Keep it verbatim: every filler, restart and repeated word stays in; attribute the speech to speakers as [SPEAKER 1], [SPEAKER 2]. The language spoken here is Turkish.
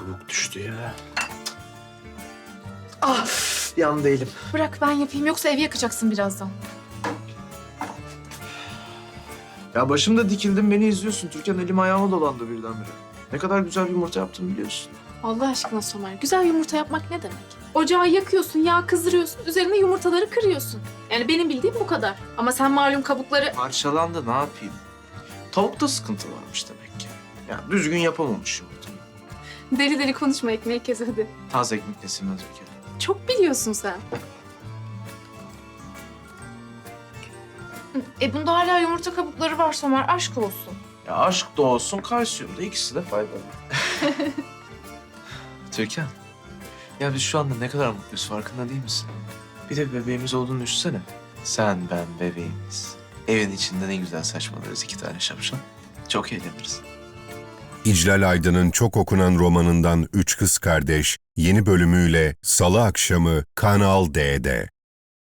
[SPEAKER 1] kabuk düştü ya. Ah, yandı elim.
[SPEAKER 2] Bırak ben yapayım yoksa evi yakacaksın birazdan.
[SPEAKER 1] Ya başımda dikildim, beni izliyorsun. Türkan elim ayağıma dolandı birdenbire. Ne kadar güzel bir yumurta yaptım biliyorsun.
[SPEAKER 2] Allah aşkına Somer, güzel yumurta yapmak ne demek? Ocağı yakıyorsun, yağ kızdırıyorsun, üzerine yumurtaları kırıyorsun. Yani benim bildiğim bu kadar. Ama sen malum kabukları...
[SPEAKER 1] Parçalandı, ne yapayım? Tavukta sıkıntı varmış demek ki. Yani düzgün yapamamış yumurtayı.
[SPEAKER 2] Deli deli konuşma, ekmeği kes hadi.
[SPEAKER 1] Taze ekmek nesilmez bir kere.
[SPEAKER 2] Çok biliyorsun sen. E bunda hala yumurta kabukları var Somer, aşk olsun.
[SPEAKER 1] Ya aşk da olsun, kalsiyum da, ikisi de faydalı. Türkan, ya biz şu anda ne kadar mutluyuz, farkında değil misin? Bir de bir bebeğimiz olduğunu düşünsene. Sen, ben, bebeğimiz. Evin içinde ne güzel saçmalarız, iki tane şapşal. Çok eğleniriz.
[SPEAKER 3] İclal Aydın'ın çok okunan romanından Üç Kız Kardeş yeni bölümüyle Salı akşamı Kanal D'de.